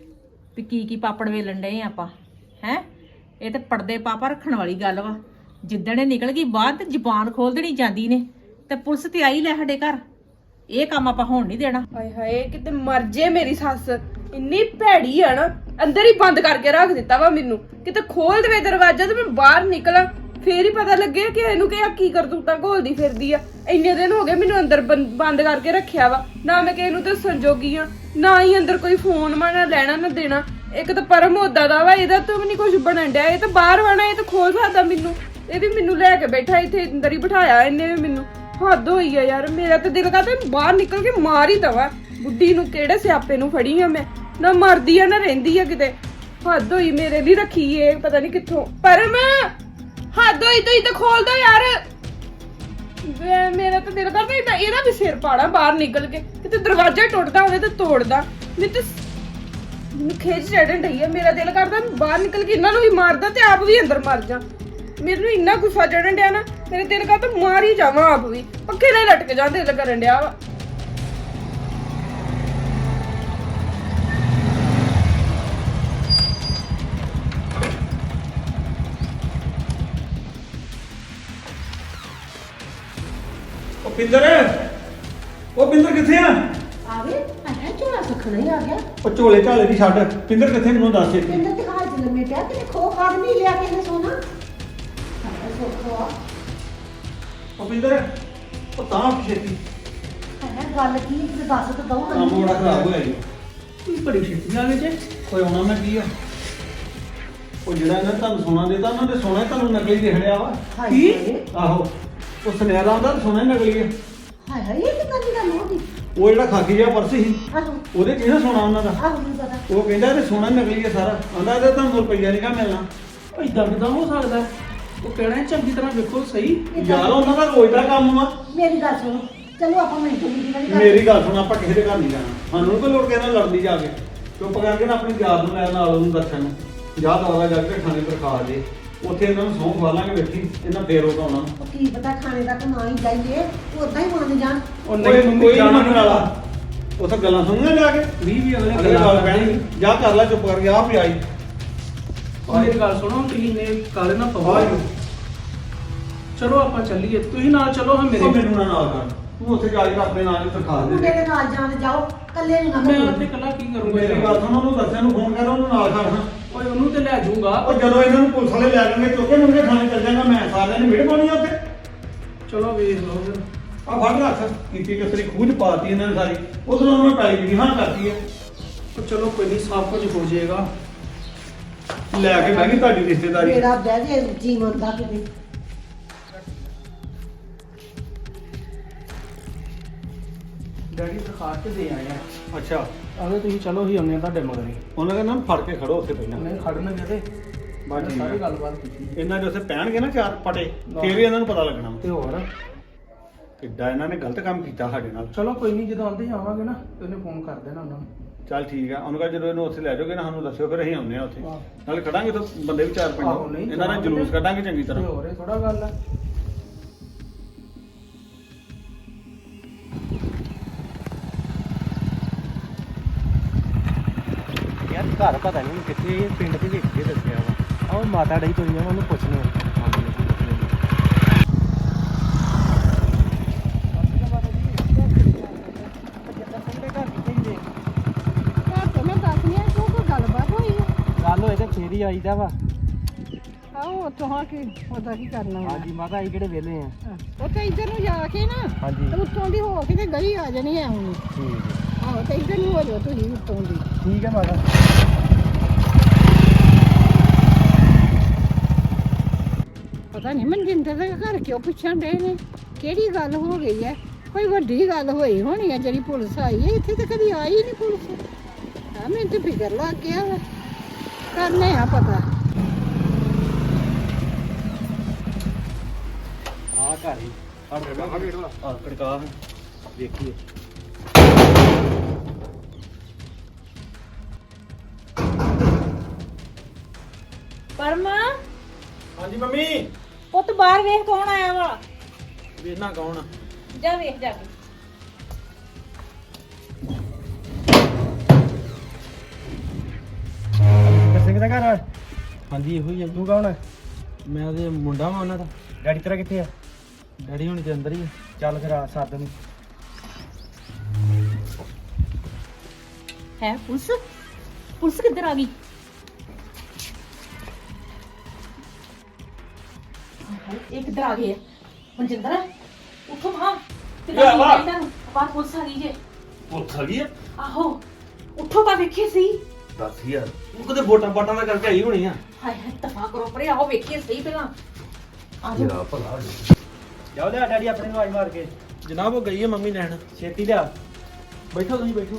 ਵੀ ਕੀ ਪਾਪੜ ਵੇਲਣ ਡਏ ਆਪਾਂ ਹੈ? ਇਹ ਤੇ ਪਰਦੇ ਪਾਪਾ ਰੱਖਣ ਵਾਲੀ ਗੱਲ ਵਾ। ਜਿੱਦਣ ਇਹ ਨਿਕਲ ਗਈ ਬਾਹਰ ਤੇ ਜ਼ੁਬਾਨ ਖੋਲ ਦੇਣੀ ਜਾਂਦੀ ਨੇ, ਤੇ ਪੁਲਿਸ ਤੇ ਆਈ ਲੈ ਸਾਡੇ ਘਰ। ਇਹ ਕੰਮ ਆਪਾਂ ਹੋਣ ਨਹੀਂ ਦੇਣਾ।
ਹਾਏ ਹਾਏ, ਕਿਤੇ ਮਰ ਜੇ ਮੇਰੀ ਸੱਸ। ਇੰਨੀ ਭੈੜੀ ਆ ਨਾ, ਅੰਦਰ ਹੀ ਬੰਦ ਕਰਕੇ ਰੱਖ ਦਿੱਤਾ ਵਾ ਮੈਨੂੰ। ਕਿਤੇ ਖੋਲ ਦੇਵੇ ਦਰਵਾਜ਼ਾ ਤੇ ਮੈਂ ਬਾਹਰ ਨਿਕਲਾਂ, ਫੇਰ ਹੀ ਪਤਾ ਲੱਗਿਆ ਕਿ ਇਹਨੂੰ ਕਿ ਆ ਕੀ ਕਰਤੂਤਾਂ ਘੋਲਦੀ ਫਿਰਦੀ ਆ। ਇੰਨੇ ਦਿਨ ਹੋ ਗਏ ਮੈਨੂੰ ਅੰਦਰ ਬੰਦ ਕਰਕੇ ਰੱਖਿਆ ਵਾ, ਨਾ ਮੈਂ ਕਿਸੇ ਨੂੰ ਦੱਸਣ ਜੋਗੀ ਆ, ਨਾ ਹੀ ਅੰਦਰ ਕੋਈ ਫੋਨ ਨਾ ਲੈਣਾ ਨਾ ਦੇਣਾ। ਇੱਕ ਤਾਂ ਪਰਮ ਉਦਾਂ ਦਾ ਵਾ, ਇਹਦਾ ਤਾਂ ਵੀ ਨਹੀਂ ਕੁਝ ਬਣਨ ਡਿਆ। ਇਹ ਤਾਂ ਬਾਹਰ ਵਾਣਾ, ਇਹ ਤਾਂ ਖੋਲ ਸਕਦਾ ਮੈਨੂੰ, ਇਹ ਵੀ ਮੈਨੂੰ ਲੈ ਕੇ ਬੈਠਾ ਇੱਥੇ ਅੰਦਰ ਹੀ ਬਿਠਾਇਆ ਇਹਨੇ ਵੀ ਮੈਨੂੰ। ਹੱਦ ਹੋਈ ਆ ਯਾਰ, ਮੇਰਾ ਤਾਂ ਦਿਲ ਕਰਦਾ ਬਾਹਰ ਨਿਕਲ ਕੇ ਮਾਰ ਹੀ ਦਵਾ ਬੁੱਢੀ ਨੂੰ। ਕਿਹੜੇ ਸਿਆਪੇ ਨੂੰ ਫੜੀ ਆ ਮੈਂ, ਨਾ ਮਰਦੀ ਆ ਨਾ ਰਹਿੰਦੀ ਆ ਕਿਤੇ। ਹੱਦ ਹੋਈ, ਮੇਰੇ ਲਈ ਰੱਖੀ ਏ ਪਤਾ ਨਹੀਂ ਕਿੱਥੋਂ। ਪਰਮ ਹੱਦ ਹੋਈ, ਤੁਸੀਂ ਤਾਂ ਖੋਲ ਦੋ ਯਾਰ। ਮੇਰਾ ਤਾਂ ਦਿਲ ਕਰਦਾ ਇਹਦਾ ਵੀ ਸਿਰ ਪਾੜਾ ਬਾਹਰ ਨਿਕਲ ਕੇ, ਕਿਤੇ ਦਰਵਾਜ਼ਾ ਟੁੱਟਦਾ ਹੋਵੇ ਤਾਂ ਤੋੜਦਾ। ਮੈਨੂੰ ਖੇਚ ਚੜਨ ਡਈ ਆ, ਮੇਰਾ ਦਿਲ ਕਰਦਾ ਬਾਹਰ ਨਿਕਲ ਕੇ ਇਹਨਾਂ ਨੂੰ ਵੀ ਮਾਰਦਾ ਤੇ ਆਪ ਵੀ ਅੰਦਰ ਮਰ ਜਾ। ਮੈਨੂੰ ਇੰਨਾ ਗੁੱਸਾ ਚੜਨ ਡਿਆ ਨਾ, ਮੇਰੇ ਦਿਲ ਕਰਦਾ ਮਾਰ ਹੀ ਜਾਵਾਂ ਆਪ ਵੀ, ਪੱਖੇ ਨਾਲ ਲਟਕ ਜਾਂ ਦਿਲ ਕਰਨ ਡਿਆ ਵਾ।
ਉਹ ਪਿੰਦਰ ਕਿੱਥੇ ਆ?
ਆ ਗਏ ਆਹ ਝੋਲਾ ਸੁਖਣਾ ਹੀ ਆ ਗਿਆ।
ਉਹ ਝੋਲੇ ਝਾਲੇ ਦੀ ਛੱਡ, ਪਿੰਦਰ ਕਿੱਥੇ ਮੈਨੂੰ ਦੱਸ ਇੱਥੇ।
ਪਿੰਦਰ ਤੇ ਹਾਲ ਚ ਲੰਮੇ ਪਿਆ, ਕਿਤੇ ਖੋ ਖਾਦ ਨਹੀਂ ਲਿਆ ਕਿਸੇ ਨੇ ਸੋਨਾ। ਸਾਡਾ ਸੋਖਾ
ਉਹ ਪਿੰਦਰ, ਉਹ ਤਾਂ ਛੇਤੀ
ਹੈ ਗੱਲ ਕੀ ਤੇ ਦੱਸ ਤਾਂ ਦਊਂ
ਕੰਮ ਬੜਾ ਖਰਾਬ ਹੋਇਆ ਜੀ।
ਤੁਸੀਂ ਬੜੀ ਛੇਤੀ ਆ ਗਏ ਜੇ।
ਕੋਈ ਆਉਣਾ ਮੈਂ ਕੀ ਆ, ਉਹ ਜਿਹੜਾ ਇਹਨਾਂ ਨੇ ਤੁਹਾਨੂੰ ਸੋਨਾ ਦਿੱਤਾ, ਉਹਨਾਂ ਦੇ ਸੋਨਾ ਹੀ ਤੁਹਾਨੂੰ ਨਕਲੀ ਦਿਖ ਰਿਹਾ ਵਾ।
ਕੀ?
ਆਹੋ, ਉਹ ਸੁਨਿਆਰਾ ਹੁੰਦਾ ਤਾਂ ਸੋਨਾ ਹੀ ਨਕਲੀ ਆ।
ਹਾਏ ਹਾਏ, ਇਹ ਕਿੱਦਾਂ ਦੀ ਗੱਲ ਹੋਦੀ?
ਉਹ ਜਿਹੜਾ ਖਾਕੀ ਜਿਹਾ ਪਰਸ ਸੀ,
ਆਹੋ
ਉਹਦੇ ਚ ਨਾ ਸੋਨਾ ਉਹਨਾਂ ਦਾ।
ਆਹੋ ਮੈਨੂੰ ਪਤਾ।
ਉਹ ਕਹਿੰਦਾ ਇਹ ਸੋਨਾ ਹੀ ਨਕਲੀ ਆ ਸਾਰਾ, ਆਂਦਾ ਇਹਦਾ ਤੁਹਾਨੂੰ ਰੁਪਈਆ ਨਹੀਂ ਕਾ ਮਿਲਣਾ।
ਇਦਾਂ ਕਿਦਾਂ ਹੋ ਸਕਦਾ? ਉਹ ਕਹਿਣਾ ਚੰਗੀ ਤਰ੍ਹਾਂ ਵੇਖੋ ਸਹੀ।
ਯਾਰ ਉਹਨਾਂ ਦਾ ਰੋਜ਼ ਦਾ ਕੰਮ ਆ।
ਮੇਰੀ ਗੱਲ ਸੁਣੋ, ਚਲੋ ਆਪਾਂ ਮਿੰਟ ਦੀ ਗੱਲ ਕਰ।
ਮੇਰੀ ਗੱਲ ਸੁਣ, ਆਪਾਂ ਕਿਸੇ ਦੇ ਘਰ ਨਹੀਂ ਜਾਣਾ, ਸਾਨੂੰ ਨੀ ਕੋਈ ਲੋੜ ਕਿਸੇ ਨਾਲ ਲੜਦੀ ਜਾ ਕੇ। ਚੁੱਪ ਕਰਕੇ ਨਾ ਆਪਣੀ ਯਾਰ ਨੂੰ ਲੈ ਨਾਲ ਉਹਨੂੰ ਦੱਸਣ ਨੂੰ ਜਾ ਦਵਾਲਾ ਜਾ ਕੇ ਥਾਣੇ ਪਰ ਖਾ ਦੇ, ਉੱਥੇ ਇਹਨਾਂ ਨੂੰ ਸਹੁੰ ਖਵਾ ਲਾਂਗੇ ਬੈਠੀ, ਇਹਨਾਂ ਫੇਰ ਉਹ ਉਹਨਾਂ ਨੂੰ।
ਉਹ ਕੀ ਪਤਾ ਖਾਣੇ ਤੱਕ ਨਾ ਹੀ ਜਾਈਏ, ਉਦਾਂ ਹੀ ਮੰਨ ਜਾਣ।
ਉਹ ਨਹੀਂ ਮੰਮੀ
ਕੋਈ
ਜਾਣਾ
ਮੰਨਣ ਵਾਲਾ, ਉੱਥੇ ਗੱਲਾਂ ਸੁਣੀਆਂ ਜਾ ਕੇ
20
ਅਗਲੇ ਗੱਲ ਪੈਣੀ। ਜਾ ਕਰ ਲੈ ਚੁੱਪ ਕਰਕੇ, ਆਪ ਹੀ ਆਈ।
ਮੇਰੀ ਗੱਲ ਸੁਣੋ, ਤੁਸੀਂ ਨੇ ਕਾਲੇ ਨਾ ਪਵਾ ਚਲੋ ਆਪਾਂ ਚੱਲੀਏ, ਤੁਸੀਂ ਨਾਲ ਚਲੋ ਹਾਂ ਮੇਰੇ।
ਉਹ ਮੈਨੂੰ ਨਾ ਨਾਲ ਕਰ, ਤੂੰ ਉੱਥੇ ਜਾ ਕੇ ਆਪਣੇ ਨਾਲ ਹੀ ਤਰਖਾ
ਮੁੰਡੇ
ਦੇ।
ਦੇ ਨਾਲ ਜਾਣ ਤੇ ਜਾਓ, ਇਕੱਲੇ ਨਹੀਂ
ਮੈਂ
ਨਾ
ਉੱਥੇ ਇਕੱਲਾ ਕੀ ਕਰੂੰਗਾ
ਮੇਰੀ ਗੱਲ ਸੁਣ, ਉਹਨੂੰ ਦੱਸਿਆ ਨੂੰ ਫੋਨ ਕਰ, ਉਹਨੂੰ ਨਾਲ ਕਰ।
ਓਏ ਉਹਨੂੰ ਤੇ ਲੈ ਜਾਊਗਾ।
ਉਹ ਜਦੋਂ ਇਹਨਾਂ ਨੂੰ ਪੁਲਿਸ ਵਾਲੇ ਲੈ ਜਾਣਗੇ ਚੁੱਕ ਕੇ ਮੁੰਡੇ ਥਾਣੇ ਚੱਲ ਜਾਗਾ, ਮੈਂ ਸਾਰਿਆਂ ਨੇ ਮਿਹਰ ਪਾਉਣੀ ਆ ਉੱਥੇ।
ਚਲੋ ਵੇਖ ਲਓ ਫਿਰ।
ਆ ਫੜ ਰੱਖ, ਕੀਤੀ ਕਿਸਰੀ ਖੂਜ ਪਾਤੀ ਇਹਨਾਂ ਨੇ ਸਾਰੀ, ਉਧਰੋਂ ਉਹਨਾਂ ਨੇ ਪੈਲੀ ਦੀ ਹਾਂ ਕਰਤੀ ਹੈ।
ਉਹ ਚਲੋ ਕੋਈ ਨਹੀਂ, ਸਭ ਕੁਝ ਹੋ ਜਾਏਗਾ।
ਲੈ ਕੇ ਬਹਿ ਗਈ ਤੁਹਾਡੀ ਰਿਸ਼ਤੇਦਾਰੀ।
ਮੇਰਾ ਬਹਿ ਜੇ ਜੀਵਨ ਦਾ ਕਿਤੇ।
ਡੈਡੀ ਦਿਖਾ ਕੇ ਦੇ ਆਏ ਆ।
ਅੱਛਾ,
ਆਵੇ ਤੁਸੀਂ ਚਲੋ ਹੀ ਆਉਂਦੇ ਆ ਤੁਹਾਡੇ ਮਗਰ ਹੀ।
ਉਹਨਾਂ ਦਾ ਨਾਮ ਫੜ ਕੇ ਖੜੋ ਉੱਥੇ ਪਹਿਲਾਂ।
ਨਹੀਂ ਖੜਨਗੇ ਤੇ
ਬਸ ਠੀਕ
ਸਾਰੀ
ਹੈ।
ਗੱਲਬਾਤ ਕੀਤੀ
ਇਹਨਾਂ ਦੇ ਉੱਥੇ ਪਹਿਣਗੇ ਨਾ ਚਾਰ ਪਟੇ, ਫੇਰ ਹੀ ਇਹਨਾਂ ਨੂੰ ਪਤਾ ਲੱਗਣਾ
ਤੇ ਹੋਰ।
ਕਿੱਦਾਂ ਇਹਨਾਂ ਨੇ ਗਲਤ ਕੰਮ ਕੀਤਾ ਸਾਡੇ ਨਾਲ।
ਚਲੋ ਕੋਈ ਨਹੀਂ, ਜਦੋਂ ਆਉਂਦੇ ਆਵਾਂਗੇ ਨਾ ਤੇ ਉਹਨੇ ਫੋਨ ਕਰ ਦੇਣਾ ਉਹਨਾਂ ਨੂੰ।
ਚੱਲ ਠੀਕ ਆ, ਉਹਨੂੰ ਕਹ ਜਦੋਂ ਇਹਨੂੰ ਉੱਥੇ ਲੈ ਜਾਓਗੇ ਨਾ ਸਾਨੂੰ ਦੱਸਿਓ, ਫਿਰ ਅਸੀਂ ਆਉਂਦੇ ਆ ਉੱਥੇ।
ਆਹ।
ਨਾਲੇ ਖੜਾਂਗੇ ਤਾਂ ਬੰਦੇ ਵੀ ਚਾਰ
ਆਹੋ,
ਪੰਜ,
ਨਹੀਂ
ਇਹਨਾਂ ਦਾ ਜਲੂਸ ਕੱਢਾਂਗੇ ਚੰਗੀ
ਤੇ
ਤਰ੍ਹਾਂ।
ਹੋਰ ਇਹ ਥੋੜਾ ਗੱਲ ਆ।
ਯਾਰ ਘਰ ਪਤਾ ਨਹੀਂ ਕਿੱਥੇ, ਪਿੰਡ ਦੇ ਵਿੱਚ ਹੀ ਦੱਸਿਆ ਵਾ। ਆਹ ਮਾਤਾ ਡਈ ਤੁਰੀ ਆ, ਉਹਨੂੰ ਪੁੱਛਨੇ ਆ। ਗੱਲ ਹੋਏ ਤੇ ਫੇਰ ਹੀ ਆਈਦਾ ਵਾ।
ਆਹੋ ਉੱਥੋਂ ਆ ਕੇ ਉਹਦਾ ਕੀ ਕਰਨਾ ਵਾ।
ਹਾਂਜੀ ਮਾਤਾ, ਅਸੀਂ ਕਿਹੜੇ ਵਿਹਲੇ ਆ।
ਉੱਥੇ ਇੱਧਰ ਨੂੰ ਜਾ ਕੇ ਨਾ
ਹਾਂਜੀ
ਤੇ ਉੱਤੋਂ ਦੀ ਹੋ ਕੇ ਤੇ ਗਲੀ ਆ ਜਾਣੀ ਹੈ ਹੁਣ।
ਠੀਕ ਹੈ,
ਆਹੋ ਤੇ ਇੱਧਰ ਨੂੰ ਹੋ ਜਾਓ ਤੁਸੀਂ ਉੱਤੋਂ ਦੀ।
ਠੀਕ ਹੈ ਮਾਤਾ।
ਪਤਾ ਨਹੀਂ ਮਨਜਿੰਦਰ ਦੇ ਘਰ ਕਿਉਂ ਪੁੱਛਣ ਦੇ ਨੇ, ਕਿਹੜੀ ਗੱਲ ਹੋ ਗਈ ਹੈ। ਕੋਈ ਵੱਡੀ ਗੱਲ ਹੋਈ ਹੋਣੀ ਹੈ ਜਿਹੜੀ ਪੁਲਿਸ ਆਈ ਹੈ। ਇੱਥੇ ਤਾਂ ਕਦੀ ਆਈ ਨਹੀਂ ਪੁਲਿਸ। ਹਾਂ ਮੈਨੂੰ ਤੇ ਫਿਕਰ ਲੱਗ ਗਿਆ ਵਾ, ਕਰਨੇ ਆ ਪਤਾ।
ਆ ਘਰ ਹੀ ਆ ਕੜਕਾ ਦੇਖੀਏ।
ਪਰਮ,
ਹਾਂਜੀ ਮੰਮੀ।
ਪੁੱਤ ਬਾਹਰ ਵੇਖ ਕੌਣ ਆਇਆ ਵਾ।
ਵੇਖਣਾ ਕੌਣ ਆ?
ਜਾ ਵੇਖ ਜਾ ਕੇ।
ਸਿੰਘ ਦਾ ਘਰ?
ਹਾਂਜੀ ਇਹੋ ਹੀ ਆ।
ਤੂੰ ਕੌਣ ਹੈ?
ਮੈਂ ਉਹਦੇ ਮੁੰਡਾ ਵਾਂ ਉਹਨਾਂ ਦਾ।
ਡੈਡੀ ਤੇਰਾ ਕਿੱਥੇ ਆ?
ਡੈਡੀ ਹੁਣੀ ਦੇ ਅੰਦਰ ਹੀ ਆ।
ਚੱਲ ਫਿਰ ਆ ਸੱਦ ਨੂੰ।
ਹੈ ਪੁਲਿਸ? ਪੁਲਿਸ ਕਿੱਧਰ ਆ ਗਈ? ਇਹ ਕਿੱਧਰ ਆ ਗਏ ਆ ਮਨਜਿੰਦਰ ਉੱਠੋ ਹਾਂ ਤੇ
ਕੀ ਹੋਇਆ ਵਾ?
ਇਹਨਾਂ ਨੂੰ ਬਾਹਰ ਪੁਲਿਸ ਆ ਗਈ ਜੇ
ਪੁੱਛ ਗਈ ਆ
ਆਹੋ ਉੱਠੋ ਤਾਂ ਵੇਖੀ ਸੀ
ਦੱਸ ਯਾਰ ਉਹ ਕਦੇ ਵੋਟਾਂ ਪਾਟਾਂ ਦਾ ਕਰਕੇ ਆਈ ਹੋਣੀ ਆ
ਹਾਏ ਹਾਏ ਤਫਾ ਕਰੋ ਪਰੇ ਆਓ ਵੇਖੀਏ ਸਹੀ ਪਹਿਲਾਂ ਆ ਜਾਓ
ਯਾਰ ਭਲਾ ਹੋ ਜਾਏ।
ਜਾਓ ਲਿਆ ਡੈਡੀ ਆਪਣੇ ਨੂੰ ਆਈ ਮਾਰ ਕੇ
ਜਨਾਬ ਉਹ ਗਈ ਹੈ ਮੰਮੀ ਲੈਣ।
ਛੇਤੀ ਲਿਆ।
ਬੈਠੋ ਤੁਸੀਂ ਬੈਠੋ।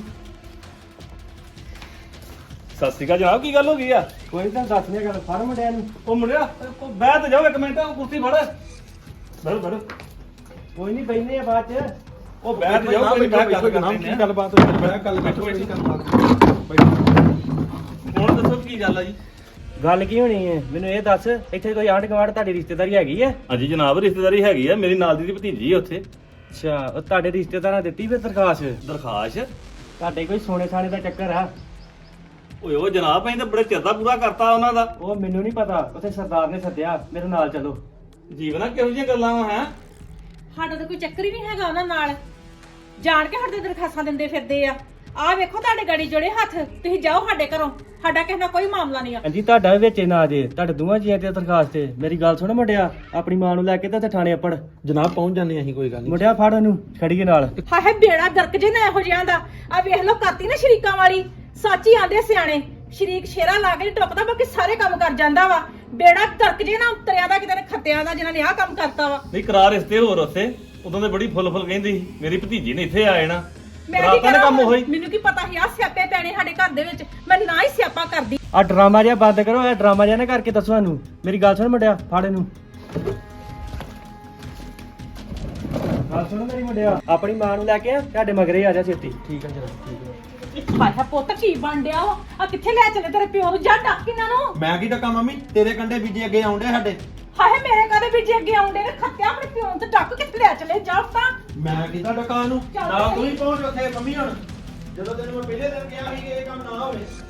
ਸਤਿ ਸ਼੍ਰੀ ਅਕਾਲ ਜਨਾਬ ਕੀ ਗੱਲ ਹੋ ਗਈ ਆ
ਕੋਈ ਤਾਂ ਦੱਸ ਨਹੀਂ ਗੱਲ ਫਾਰਮ ਡਿਆ ਨੂੰ
ਉਹ ਮੁੰਡਿਆ ਉਹ ਬਹਿ ਤੇ ਜਾਓ ਇੱਕ ਮਿੰਟ ਉਹ ਕੁਰਸੀ ਫੜ ਬੈਠੋ ਬੈਠੋ
ਕੋਈ ਨਹੀਂ ਬੈਠਨੇ ਆ ਬਾਅਦ ਚ।
ਉਹ ਬਹਿ ਤੇ ਜਾਓ ਕੋਈ
ਬੈਠੋ,
ਬਹਿ ਗੱਲ
ਜਨਾਬ
ਕਰਦੇ
ਕੀ ਗੱਲਬਾਤ ਹੋਈ? ਬੈਠ ਗੱਲ ਬੈਠੋ
ਬੈਠੋ।
ਕਿਹੜੀ ਗੱਲਬਾਤ? ਬੈਠੋ।
ਹੁਣ ਦੱਸੋ ਕੀ ਗੱਲ ਆ ਜੀ
ਗੱਲ ਕੀ ਹੋਣੀ ਹੈ ਮੈਨੂੰ ਇਹ ਦੱਸ ਇੱਥੇ ਕੋਈ ਆਂਢ ਗੁਆਂਢ ਤੁਹਾਡੀ ਰਿਸ਼ਤੇਦਾਰੀ ਹੈਗੀ ਹੈ?
ਹਾਂਜੀ ਜਨਾਬ ਰਿਸ਼ਤੇਦਾਰੀ ਹੈਗੀ ਆ ਮੇਰੀ ਨਾਲ ਦੀ ਭਤੀਜੀ ਆ ਉੱਥੇ
ਅੱਛਾ ਉਹ ਤੁਹਾਡੇ ਰਿਸ਼ਤੇਦਾਰਾਂ ਦਿੱਤੀ ਫਿਰ ਦਰਖਾਸਤ?
ਦਰਖਾਸ਼
ਤੁਹਾਡੇ ਕੋਈ ਸੋਨੇ ਸਾਨੇ ਦਾ ਚੱਕਰ ਆ?
ਓਏ ਉਹ ਜਨਾਬ ਅਸੀਂ ਤਾਂ ਬੜੇ ਚਿਰ ਦਾ ਪੂਰਾ ਕਰਤਾ ਉਹਨਾਂ ਦਾ
ਉਹ ਮੈਨੂੰ ਨਹੀਂ ਪਤਾ ਉੱਥੇ ਸਰਦਾਰ ਨੇ ਸੱਦਿਆ ਮੇਰੇ ਨਾਲ ਚਲੋ।
ਜੀਵਨਾ ਕਿਹੋ ਜਿਹੀਆਂ ਗੱਲਾਂ ਵਾ ਹੈ
ਸਾਡਾ ਤਾਂ ਕੋਈ ਚੱਕਰ ਹੀ ਨਹੀਂ ਹੈਗਾ ਉਹਨਾਂ ਨਾਲ ਜਾਣ ਕੇ ਸਾਡੇ ਦਰਖਾਸਤਾਂ ਦਿੰਦੇ ਫਿਰਦੇ ਆ ਆਹ ਵੇਖੋ ਤੁਹਾਡੇ ਗਾੜੀ ਜੋੜੇ ਹੱਥ ਤੁਸੀਂ ਜਾਓ ਸਾਡੇ ਘਰੋਂ ਸਾਡਾ ਕਿਸੇ ਨਾਲ ਕੋਈ ਮਾਮਲਾ ਨਹੀਂ ਆ
ਹਾਂਜੀ ਤੁਹਾਡਾ ਵੀ ਵਿੱਚ ਨਾ ਜੇ ਤੁਹਾਡੇ ਦੋਵਾਂ ਜੀਆਂ ਤੇ ਦਰਖਾਸਤ ਤੇ ਮੇਰੀ ਗੱਲ ਸੁਣ ਮੁੰਡਿਆ ਆਪਣੀ ਮਾਂ ਨੂੰ ਲੈ ਕੇ ਤੇ ਉੱਥੇ ਥਾਣੇ ਅੱਪੜ
ਜਨਾਬ ਪਹੁੰਚ ਜਾਂਦੇ ਅਸੀਂ ਕੋਈ ਗੱਲ ਨਹੀਂ।
ਮੁੰਡਿਆ ਫੜ ਉਹਨੂੰ ਖੜੀਏ ਨਾਲ।
ਹਾਏ ਬੇੜਾ ਗਰਕ ਜੇ ਨਾ ਇਹੋ ਜਿਹਾਂ ਦਾ ਆ ਵੇਖ ਲਓ ਕਰਤੀ ਨਾ ਸ਼ਰੀਕਾਂ ਵਾਲੀ ਸੱਚ ਹੀ ਆਂਦੇ ਸਿਆਣੇ ਸ਼ਰੀਕ ਸ਼ੇਰਾ ਲਾ ਕੇ ਨੀ ਟੁੱਕਦਾ ਬਾਕੀ ਸਾਰੇ ਕੰਮ ਕਰ ਜਾਂਦਾ ਵਾ ਬੇੜਾ ਗਰਕ ਜੇ ਨਾ ਉਤਰਿਆ ਦਾ ਕਿਤੇ ਨੇ ਖੱਤਿਆਂ ਦਾ ਜਿਨ੍ਹਾਂ ਨੇ ਆਹ ਕੰਮ ਕਰਤਾ ਵਾ
ਨਹੀਂ ਕਰਾ ਰਿਸ਼ਤੇ ਹੋਰ ਉੱਥੇ ਉਦੋਂ ਤੇ ਬੜੀ ਫੁੱਲ ਕਹਿੰਦੀ ਸੀ ਮੇਰੀ ਭਤੀਜੀ ਨੇ ਇੱਥੇ ਆ ਜਾਣਾ
ਮੈਂ ਕੀ
ਰਾਤਾਂ ਨੇ ਕੰਮ
ਕਰਾਂ
ਹੋਈ
ਮੈਨੂੰ ਕੀ ਪਤਾ ਸੀ ਆ ਸਿਆਪੇ ਪੈਣੇ ਸਾਡੇ ਘਰ ਦੇ ਵਿੱਚ ਮੈਂ ਨਾ ਹੀ ਸਿਆਪਾ ਕਰਦੀ
ਆ ਡਰਾਮਾ ਜਿਹਾ ਬੰਦ ਕਰੋ ਇਹ ਡਰਾਮਾ ਜਿਹਾ ਨਾ ਕਰਕੇ ਦੱਸੋ ਸਾਨੂੰ। ਮੇਰੀ ਗੱਲ ਸੁਣ ਮੁੰਡਿਆ ਫੜ ਇਹਨੂੰ। ਗੱਲ ਸੁਣ ਮੇਰੀ ਮੁੰਡਿਆ ਆਪਣੀ ਮਾਂ ਨੂੰ ਲੈ ਕੇ ਤੁਹਾਡੇ ਮਗਰੇ ਆ ਜਾ ਛੇਤੀ।
ਠੀਕ ਹੈ ਜਨਾਬ ਠੀਕ ਹੈ।
ਹਾਏ ਪੁੱਤ ਕੀ ਬਣ ਡਿਆ ਵਾ ਆ ਕਿੱਥੇ ਲੈ ਚੱਲੇ ਤੇਰੇ ਪਿਓ ਨੂੰ ਜਾ ਡੱਕ ਇਹਨਾਂ ਨੂੰ
ਮੈਂ ਕੀ ਟੱਕਾ ਮੰਮੀ ਤੇਰੇ ਕੰਡੇ ਬੀਜੇ ਅੱਗੇ ਆਉਂਦੇ ਸਾਡੇ।
ਹਾਏ ਮੇਰੇ ਕਦੇ ਵੀ ਜੇ ਅੱਗੇ ਆਉਂਦੇ ਨੇ ਖੱਤਿਆ ਆਪਣੇ ਪਿਓ ਨੂੰ ਤੇ ਡੱਕ ਕਿੱਥੇ ਲੈ ਚੱਲੇ ਜਾ ਤਾਂ
ਮੈਂ ਕੀਤਾ ਟੱਕਾ ਨੂੰ
ਚੱਲ
ਨਾ
ਸਹੀ।
ਤੂੰ ਹੀ ਪਹੁੰਚ ਉੱਥੇ ਮੰਮੀ ਹੁਣ ਜਦੋਂ ਤੈਨੂੰ ਮੈਂ ਪਹਿਲੇ ਦਿਨ ਕਿਹਾ ਸੀ ਕਿ ਇਹ ਕੰਮ ਨਾ ਹੋਵੇ।